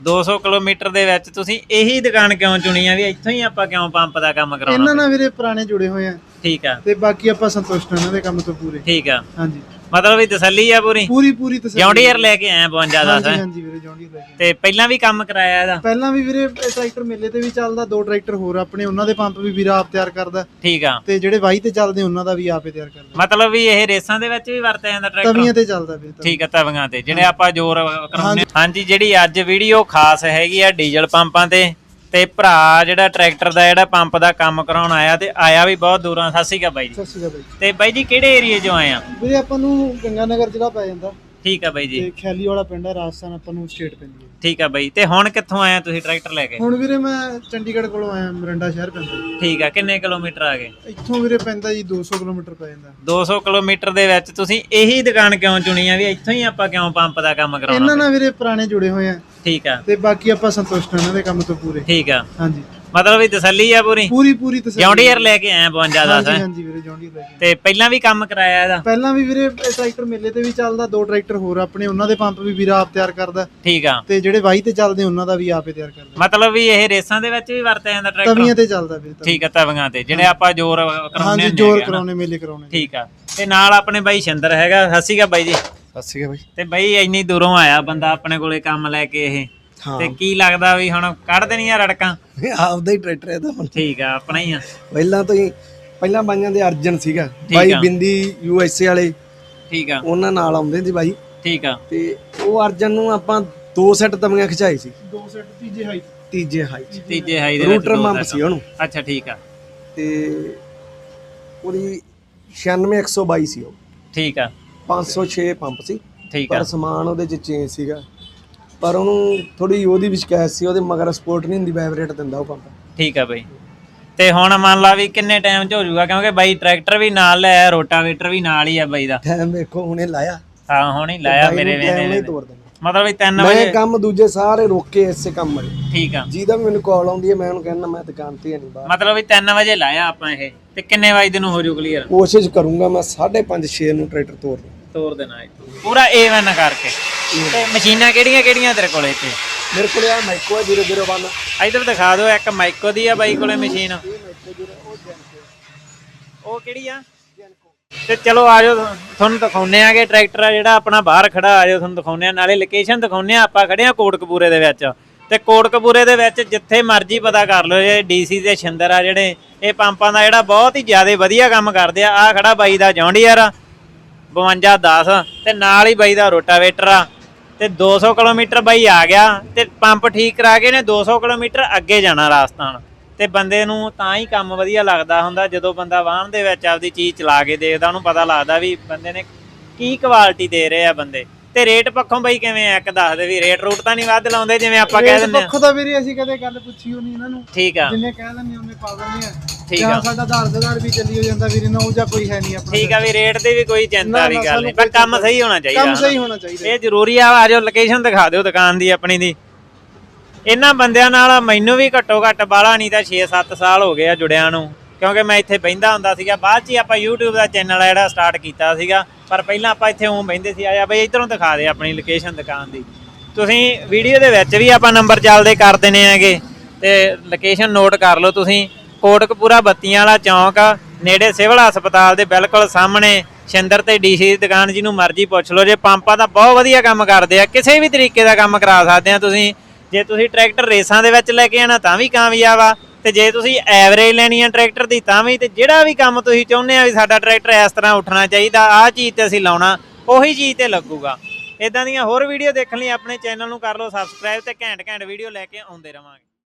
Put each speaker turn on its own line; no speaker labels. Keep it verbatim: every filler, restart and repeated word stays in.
दो सौ किलोमीटर ਦੇ ਵਿੱਚ ਤੁਸੀਂ ਇਹੀ ਦੁਕਾਨ ਕਿਉਂ ਚੁਣੀ ਆ ਵੀ ਇੱਥੋਂ ਹੀ ਆਪਾਂ ਕਿਉਂ ਪੰਪ ਦਾ ਕੰਮ ਕਰਾਉਣਾ?
ਇਹਨਾਂ ਨਾਲ ਵੀਰੇ ਪੁਰਾਣੇ ਜੁੜੇ ਹੋਏ ਆ। ਠੀਕ ਆ। ਤੇ ਬਾਕੀ ਆਪਾਂ ਸੰਤੁਸ਼ਟ ਹਾਂ ਇਹਨਾਂ ਦੇ ਕੰਮ ਤੋਂ ਪੂਰੇ। ਠੀਕ ਆ। ਹਾਂਜੀ
ਮਤਲਬ ਵੀ ਤਸੱਲੀ ਆ ਪੂਰੀ
ਪੂਰੀ ਪੂਰੀ ਤਸੱਲੀ।
ਜੌਂਡੀਅਰ ਲੈ ਕੇ ਆਇਆ ਬਵੰਜਾ ਦਸ।
ਹਾਂਜੀ ਹਾਂਜੀ ਵੀਰੇ ਜੌਂਡੀਅਰ ਲੈ ਕੇ।
ਤੇ ਪਹਿਲਾਂ ਵੀ ਕੰਮ ਕਰਾਇਆ ਇਹਦਾ?
ਪਹਿਲਾਂ ਵੀ ਵੀਰੇ ਟਰੈਕਟਰ ਮੇਲੇ ਤੇ ਵੀ ਚੱਲਦਾ, ਦੋ ਟਰੈਕਟਰ ਹੋਰ ਆਪਣੇ, ਉਹਨਾਂ ਦੇ ਪੰਪ ਵੀ ਵੀਰਾ ਆਪ ਤਿਆਰ ਕਰਦਾ।
ਠੀਕ ਆ।
ਤੇ ਜਿਹੜੇ ਵਾਹੀ ਤੇ ਚੱਲਦੇ ਉਹਨਾਂ ਦਾ ਵੀ ਆਪੇ ਤਿਆਰ ਕਰਦਾ।
ਮਤਲਬ ਵੀ ਇਹ ਰੇਸਾਂ ਦੇ ਵਿੱਚ ਵੀ ਵਰਤਿਆ ਜਾਂਦਾ ਟਰੈਕਟਰ?
ਤਵੀਆਂ ਤੇ ਚੱਲਦਾ ਵੀਰੇ। ਠੀਕ
ਆ, ਤਵੀਆਂ ਤੇ ਜਿਹੜੇ ਆਪਾਂ ਜ਼ੋਰ ਕਰਾਉਂਦੇ। ਹਾਂਜੀ ਜਿਹੜੀ ਅੱਜ ਵੀਡੀਓ ਖਾਸ ਹੈਗੀ ਆ ਡੀਜ਼ਲ ਪੰਪਾਂ ਤੇ ਤੇ ਭਰਾ ਜਿਹੜਾ ਟਰੈਕਟਰ ਦਾ ਜਿਹੜਾ ਪੰਪ ਦਾ ਕੰਮ ਕਰਾਉਣ ਆਇਆ ਤੇ ਆਇਆ ਵੀ ਬਹੁਤ ਦੂਰਾਂ। ਸਤਿ ਸ਼੍ਰੀ ਅਕਾਲ ਬਾਈ ਜੀ।
ਸਤਿ ਸ਼੍ਰੀ ਅਕਾਲ ਬਾਈ।
ਤੇ ਬਾਈ ਜੀ ਕਿਹੜੇ ਏਰੀਏ ਚੋਂ ਆਏ ਆ?
ਵੀਰੇ ਆਪਾਂ ਨੂੰ ਗੰਗਾ ਨਗਰ ਜ਼ਿਲ੍ਹਾ ਪੈ ਜਾਂਦਾ।
ਠੀਕ ਆ ਬਾਈ ਜੀ।
ਤੇ ਖੈਲੀ ਵਾਲਾ ਪਿੰਡ ਹੈ, ਰਾਜਸਥਾਨ ਆਪਾਂ ਨੂੰ ਸਟੇਟ ਪੈਂਦੀ ਹੈ।
ਠੀਕ ਆ ਬਾਈ। ਤੇ ਹੁਣ ਕਿੱਥੋਂ ਆਇਆ ਤੁਸੀਂ ਟਰੈਕਟਰ ਲੈ ਕੇ?
ਹੁਣ ਵੀਰੇ ਮੈਂ ਚੰਡੀਗੜ੍ਹ ਕੋਲੋਂ ਆਇਆ, ਮਰਿੰਡਾ ਸ਼ਹਿਰ ਪੈਂਦਾ।
ਠੀਕ ਆ। ਕਿੰਨੇ ਕਿਲੋਮੀਟਰ ਆ ਗਏ
ਇੱਥੋਂ? ਵੀਰੇ ਪੈਂਦਾ ਜੀ ਦੋ ਸੌ ਕਿਲੋਮੀਟਰ ਪੈ ਜਾਂਦਾ।
ਦੋ ਸੌ ਕਿਲੋਮੀਟਰ ਦੇ ਵਿੱਚ ਤੁਸੀਂ ਇਹੀ ਦੁਕਾਨ ਕਿਉਂ ਚੁਣੀ ਆ ਵੀ ਇੱਥੋਂ ਹੀ ਆਪਾਂ ਕਿਉਂ ਪੰਪ ਦਾ ਕੰਮ ਕਰਾਉਣਾ?
ਇਹਨਾਂ ਨਾਲ ਵੀਰੇ ਪੁਰਾਣੇ ਜੁੜੇ ਹੋਏ ਆ। ਠੀਕ ਆ। ਤੇ ਬਾਕੀ ਆਪਾਂ ਸੰਤੁਸ਼ਟ ਹਾਂ ਇਹਨਾਂ ਦੇ ਕੰਮ ਤੋਂ ਪੂਰੇ। ਠੀਕ ਆ। ਹਾਂਜੀ ਮਤਲਬ ਵੀ ਤਸੱਲੀ ਆ ਪੂਰੀ ਪੂਰੀ ਪੂਰੀ ਤਸੱਲੀ। ਜੌਂਡੀਅਰ ਲੈ ਕੇ ਆਇਆ ਬਵੰਜਾ ਦਸ। ਹਾਂਜੀ ਹਾਂਜੀ ਵੀਰੇ ਜੌਂਡੀਅਰ ਲੈ ਕੇ। ਤੇ ਪਹਿਲਾਂ ਵੀ ਕੰਮ ਕਰਾਇਆ ਇਹਦਾ? ਪਹਿਲਾਂ ਵੀ ਵੀਰੇ ਟਰੈਕਟਰ ਮੇਲੇ ਤੇ ਵੀ ਚੱਲਦਾ, ਦੋ ਟਰੈਕਟਰ ਹੋਰ ਆਪਣੇ, ਉਹਨਾਂ ਦੇ ਪੰਪ ਵੀ ਵੀਰਾ ਆਪ ਤਿਆਰ ਕਰਦਾ। ਠੀਕ ਆ। ਤੇ ਜਿਹੜੇ ਵਾਹੀ ਤੇ ਚੱਲਦੇ ਉਹਨਾਂ ਦਾ ਵੀ ਆਪੇ ਤਿਆਰ ਕਰਦਾ। ਮਤਲਬ ਵੀ ਇਹ ਰੇਸਾਂ ਦੇ ਵਿੱਚ ਵੀ ਵਰਤਿਆ ਜਾਂਦਾ ਟਰੈਕਟਰ? ਤਵੀਆਂ ਤੇ ਚੱਲਦਾ ਵੀਰੇ। ਠੀਕ ਆ, ਤਵੀਆਂ ਤੇ ਜਿਹੜੇ ਆਪਾਂ ਜ਼ੋਰ ਕਰਾਉਂਦੇ। ਹਾਂਜੀ ਜ਼ੋਰ ਕਰਾਉਣੇ, ਮੇਲੇ ਕਰਾਉਣੇ। ਠੀਕ ਆ। ਤੇ ਨਾਲ ਆਪਣੇ ਬਾਈ ਸ਼ਿੰਦਰ ਹੈਗਾ। ਸਤਿ ਸ਼੍ਰੀ ਅਕਾਲ ਬਾਈ ਜੀ। ਸਤਿ ਸ਼੍ਰੀ ਅਕਾਲ ਬਾਈ। ਤੇ
ਬਾਈ ਇੰਨੀ ਦੂਰੋਂ ਆਇਆ ਬੰਦਾ ਆਪਣੇ ਕੋਲੇ ਕੰਮ ਲੈ ਕੇ, ਇਹ ਤੇ ਕੀ ਲੱਗਦਾ ਵੀ ਹੁਣ ਕੱਢ ਦੇਣੀਆਂ ਰੜਕਾਂ?
ਆਪਦਾ ਹੀ ਟਰੈਕਟਰ ਹੈ ਤਾਂ। ਠੀਕ
ਆ, ਆਪਣਾ ਹੀ ਆ।
ਪਹਿਲਾਂ ਤੋਂ ਹੀ ਪਹਿਲਾਂ ਬਾਈਆਂ ਦੇ ਅਰਜਨ ਸੀਗਾ ਬਾਈ, ਬਿੰਦੀ ਯੂ ਐਸ ਏ ਵਾਲੇ। ਠੀਕ ਆ। ਉਹਨਾਂ ਨਾਲ ਆਉਂਦੇ ਸੀ ਬਾਈ। ਠੀਕ ਆ। ਤੇ ਉਹ ਅਰਜਨ ਨੂੰ ਆਪਾਂ ਦੋ ਸੈੱਟ ਤਵੀਆਂ ਖਿਚਾਈ ਸੀ। ਦੋ ਸੈੱਟ ਤੀਜੇ ਹਾਈ ਤੀਜੇ ਹਾਈ
ਤੀਜੇ ਹਾਈ ਦੇ ਵਿੱਚ
ਰੂਟਰ ਪੰਪ ਸੀ ਉਹਨੂੰ।
ਅੱਛਾ ਠੀਕ ਆ।
ਤੇ ਉਹਦੀ ਛਿਆਨਵੇਂ ਇੱਕ ਸੌ ਬਾਈ ਸੀ ਉਹ। ਠੀਕ ਆ। ਪੰਜ ਸੌ ਛੇ ਪੰਪ ਸੀ। ਠੀਕ ਆ। ਪਰ ਸਮਾਨ ਉਹਦੇ ਚ ਚੇਂਜ ਸੀਗਾ, ਪਰ ਉਹਨੂੰ ਥੋੜੀ ਉਹਦੀ ਵੀ ਸ਼ਿਕਾਇਤ ਸੀ, ਉਹਦੇ ਮਗਰ ਸਪੋਰਟ ਨਹੀਂ ਹੁੰਦੀ, ਵਾਈਬ੍ਰੇਟ ਦਿੰਦਾ ਉਹ ਪੰਪ। ਠੀਕ ਆ ਬਾਈ। ਤੇ ਹੁਣ ਮੰਨ ਲਾ ਵੀ ਕਿੰਨੇ ਟਾਈਮ ਚ ਹੋ ਜਾਊਗਾ? ਕਿਉਂਕਿ ਬਾਈ ਟਰੈਕਟਰ ਵੀ ਨਾਲ ਲਿਆ, ਰੋਟਾਵੇਟਰ ਵੀ ਨਾਲ ਹੀ ਆ ਬਾਈ ਦਾ। ਟਾਈਮ ਵੇਖੋ ਹੁਣੇ ਲਾਇਆ। ਹਾਂ ਹੁਣੇ ਲਾਇਆ ਮੇਰੇ ਵੇਲੇ। ਮਤਲਬ ਵੀ ਤਿੰਨ ਵਜੇ ਮੈਂ ਕੰਮ ਦੂਜੇ ਸਾਰੇ ਰੋਕੇ ਇਸੇ ਕੰਮ ਵਾਲੇ। ਠੀਕ ਆ। ਜਿਹਦਾ ਵੀ ਮੈਨੂੰ ਕਾਲ ਆਉਂਦੀ ਹੈ ਮੈਂ ਉਹਨੂੰ ਕਹਿੰਦਾ ਮੈਂ ਦੁਕਾਨ ਤੇ ਨਹੀਂ ਬਾਹਰ। ਮਤਲਬ ਵੀ ਤਿੰਨ ਵਜੇ ਲਾਇਆ ਆਪਾਂ ਇਹ, ਤੇ ਕਿੰਨੇ ਵਜੇ ਨੂੰ ਹੋ ਜੂ ਕਲੀਅਰ? ਕੋਸ਼ਿਸ਼ ਕਰੂੰਗਾ ਮੈਂ ਸਾਢੇ ਪੰਜ ਛੇ ਨੂੰ ਟਰੈਕਟਰ ਤੋੜ ਦੂੰ। ਤੋੜ ਦੇਣਾ ਪੂਰਾ ਏ ਵਨ ਕਰਕੇ। ਤੇ ਮਸ਼ੀਨਾਂ ਕਿਹੜੀਆਂ ਕਿਹੜੀਆਂ ਤੇਰੇ ਕੋਲੇ ਇੱਥੇ? ਮੇਰੇ ਕੋਲੇ ਆ ਮਾਈਕੋ ਆ ਜ਼ੀਰੋ ਜ਼ੀਰੋ ਵਨ। ਇੱਧਰ ਦਿਖਾ ਦਿਓ, ਇੱਕ ਮਾਈਕੋ ਦੀ ਆ ਬਾਈ ਕੋਲੇ ਮਸ਼ੀਨ। ਉਹ ਕਿਹੜੀ ਆ? ਤੇ ਚਲੋ ਆਜੋ ਤੁਹਾਨੂੰ ਦਿਖਾਉਂਦੇ ਆਗੇ ਟਰੈਕਟਰ ਆ ਜਿਹੜਾ ਆਪਣਾ ਬਾਹਰ ਖੜਾ। ਆਜੋ ਤੁਹਾਨੂੰ ਦਿਖਾਉਂਦੇ ਆ, ਨਾਲੇ ਲੋਕੇਸ਼ਨ ਦਿਖਾਉਂਦੇ ਆ। ਆਪਾਂ ਖੜੇ ਆ ਕੋਟਕਪੂਰੇ ਦੇ ਵਿੱਚ, ਤੇ ਕੋਟਕਪੂਰੇ ਦੇ ਵਿੱਚ ਜਿੱਥੇ ਮਰਜ਼ੀ ਪਤਾ ਕਰ ਲਓ, ਇਹ ਡੀਸੀ ਦੇ ਸ਼ਿੰਦਰ ਆ ਜਿਹੜੇ ਇਹ ਪੰਪਾਂ ਦਾ ਜਿਹੜਾ ਬਹੁਤ ਹੀ ਜ਼ਿਆਦਾ ਵਧੀਆ ਕੰਮ ਕਰਦੇ ਆ। ਆ ਖੜਾ ਬਾਈ ਦਾ ਜੌਂਡੀਅਰ ਆ ਬਵੰਜਾ ਦਸ, ਤੇ ਨਾਲ ਹੀ ਬਾਈ ਦਾ ਰੋਟਾਵੇਟਰ ਆ। ਤੇ ਦੋ ਸੌ ਕਿਲੋਮੀਟਰ ਬਾਈ ਆ ਗਿਆ, ਤੇ ਪੰਪ ਠੀਕ ਕਰਾ ਕੇ ਨੇ ਦੋ ਸੌ ਕਿਲੋਮੀਟਰ ਅੱਗੇ ਜਾਣਾ ਰਾਜਸਥਾਨ। ਤੇ ਬੰਦੇ ਨੂੰ ਤਾਂ ਹੀ ਕੰਮ ਵਧੀਆ ਲੱਗਦਾ ਹੁੰਦਾ ਜਦੋਂ ਬੰਦਾ ਵਾਹਨ ਦੇ ਵਿੱਚ ਆਪਦੀ ਚੀਜ਼ ਚਲਾ ਕੇ ਦੇਖਦਾ, ਉਹਨੂੰ ਪਤਾ ਲੱਗਦਾ ਵੀ ਬੰਦੇ ਨੇ ਕੀ ਕੁਆਲਿਟੀ ਦੇ ਰਹੇ ਆ ਬੰਦੇ। ਤੇ ਰੇਟ ਪੱਖੋਂ ਬਾਈ ਕਿਵੇਂ ਆ? ਇੱਕ ਦੱਸ ਦੇ ਵੀ ਰੇਟ ਰੂਟ ਤਾਂ ਨਹੀਂ ਵੱਧ ਲਾਉਂਦੇ ਜਿਵੇਂ ਆਪਾਂ ਕਹਿ ਦਿੰਦੇ ਆ? ਪੱਖੋਂ ਤਾਂ ਵੀਰੇ ਅਸੀਂ ਕਦੇ ਗੱਲ ਪੁੱਛੀ ਹੋਣੀ ਇਹਨਾਂ ਨੂੰ। ਠੀਕ ਆ। ਜਿੰਨੇ ਕਹਿ ਦਿੰਦੇ ਉਹਨੇ ਪਾ ਦਿੰਦੇ ਆ। ਠੀਕ ਆ। ਸਾਡਾ ਆਧਾਰ ਆਧਾਰ ਵੀ ਚੱਲੀ ਹੋ ਜਾਂਦਾ ਵੀਰੇ, ਨਾ ਉਹ ਜਾਂ ਕੋਈ ਹੈ ਨਹੀਂ ਆਪਣਾ। ਠੀਕ ਆ ਵੀ ਰੇਟ ਦੀ ਵੀ ਕੋਈ ਚਿੰਤਾ ਵਾਲੀ ਗੱਲ ਨਹੀਂ, ਪਰ ਕੰਮ ਸਹੀ ਹੋਣਾ ਚਾਹੀਦਾ। ਕੰਮ ਸਹੀ ਹੋਣਾ ਚਾਹੀਦਾ, ਇਹ ਜ਼ਰੂਰੀ ਆ। ਆਜੋ ਲੋਕੇਸ਼ਨ ਦਿਖਾ ਦਿਓ ਦੁਕਾਨ ਦੀ ਆਪਣੀ ਦੀ। ਇਹਨਾਂ ਬੰਦਿਆਂ ਨਾਲ ਮੈਨੂੰ ਵੀ ਘੱਟੋ ਘੱਟ ਬਾਹਲਾ ਨਹੀਂ ਤਾਂ ਛੇ ਸੱਤ ਸਾਲ ਹੋ ਗਏ ਆ ਜੁੜਿਆਂ ਨੂੰ, ਕਿਉਂਕਿ ਮੈਂ ਇੱਥੇ ਬਹਿੰਦਾ ਹੁੰਦਾ ਸੀਗਾ। ਬਾਅਦ 'ਚ ਹੀ ਆਪਾਂ ਯੂਟਿਊਬ ਦਾ ਚੈਨਲ ਜਿਹੜਾ ਸਟਾਰਟ ਕੀਤਾ ਸੀਗਾ, ਪਰ ਪਹਿਲਾਂ ਆਪਾਂ ਇੱਥੇ ਉਂ ਬਹਿੰਦੇ ਸੀ। ਆਇਆ ਬਈ ਇੱਧਰੋਂ ਦਿਖਾ ਦੇ ਆਪਣੀ ਲੋਕੇਸ਼ਨ ਦੁਕਾਨ ਦੀ। ਤੁਸੀਂ ਵੀਡੀਓ ਦੇ ਵਿੱਚ ਵੀ ਆਪਾਂ ਨੰਬਰ ਚੱਲਦੇ ਕਰ ਦਿੰਦੇ ਹੈਗੇ, ਤੇ ਲੋਕੇਸ਼ਨ ਨੋਟ ਕਰ ਲਓ ਤੁਸੀਂ। ਕੋਟਕਪੂਰਾ ਬੱਤੀਆਂ ਵਾਲਾ ਚੌਂਕ ਨੇੜੇ ਸਿਵਲ ਹਸਪਤਾਲ ਦੇ ਬਿਲਕੁਲ ਸਾਹਮਣੇ ਸ਼ਿੰਦਰ ਤੇ ਡੀਸੀ ਦੀ ਦੁਕਾਨ, ਜਿਹਨੂੰ ਮਰਜ਼ੀ ਪੁੱਛ ਲਓ। ਜੇ ਪੰਪਾਂ ਦਾ ਬਹੁਤ ਵਧੀਆ ਕੰਮ ਕਰਦੇ ਆ, ਕਿਸੇ ਵੀ ਤਰੀਕੇ ਦਾ ਕੰਮ ਕਰਾ ਸਕਦੇ ਆ ਤੁਸੀਂ। ਜੇ ਤੁਸੀਂ ਟਰੈਕਟਰ ਰੇਸਾਂ ਦੇ ਵਿੱਚ ਲੈ ਕੇ ਆਣਾ ਤਾਂ ਵੀ ਕਾਮਯਾਬ ਆ, ਤੇ ਜੇ ਤੁਸੀਂ ਐਵਰੇਜ ਲੈਣੀ ਆ ਟਰੈਕਟਰ ਦੀ ਤਾਂ ਵੀ। ਤੇ ਜਿਹੜਾ ਵੀ ਕੰਮ ਤੁਸੀਂ ਚਾਹੁੰਦੇ ਆ ਵੀ ਸਾਡਾ ਟਰੈਕਟਰ ਇਸ ਤਰ੍ਹਾਂ ਉੱਠਣਾ ਚਾਹੀਦਾ, ਆਹ ਚੀਜ਼ ਤੇ ਅਸੀਂ ਲਾਉਣਾ, ਉਹੀ ਚੀਜ਼ ਤੇ ਲੱਗੂਗਾ। ਇਦਾਂ ਦੀਆਂ ਹੋਰ ਵੀਡੀਓ ਦੇਖਣ ਲਈ ਆਪਣੇ ਚੈਨਲ ਨੂੰ ਕਰ ਲਓ ਸਬਸਕ੍ਰਾਈਬ, ਤੇ ਘੈਂਟ ਘੈਂਟ ਵੀਡੀਓ ਲੈ ਕੇ ਆਉਂਦੇ ਰਵਾਂਗੇ।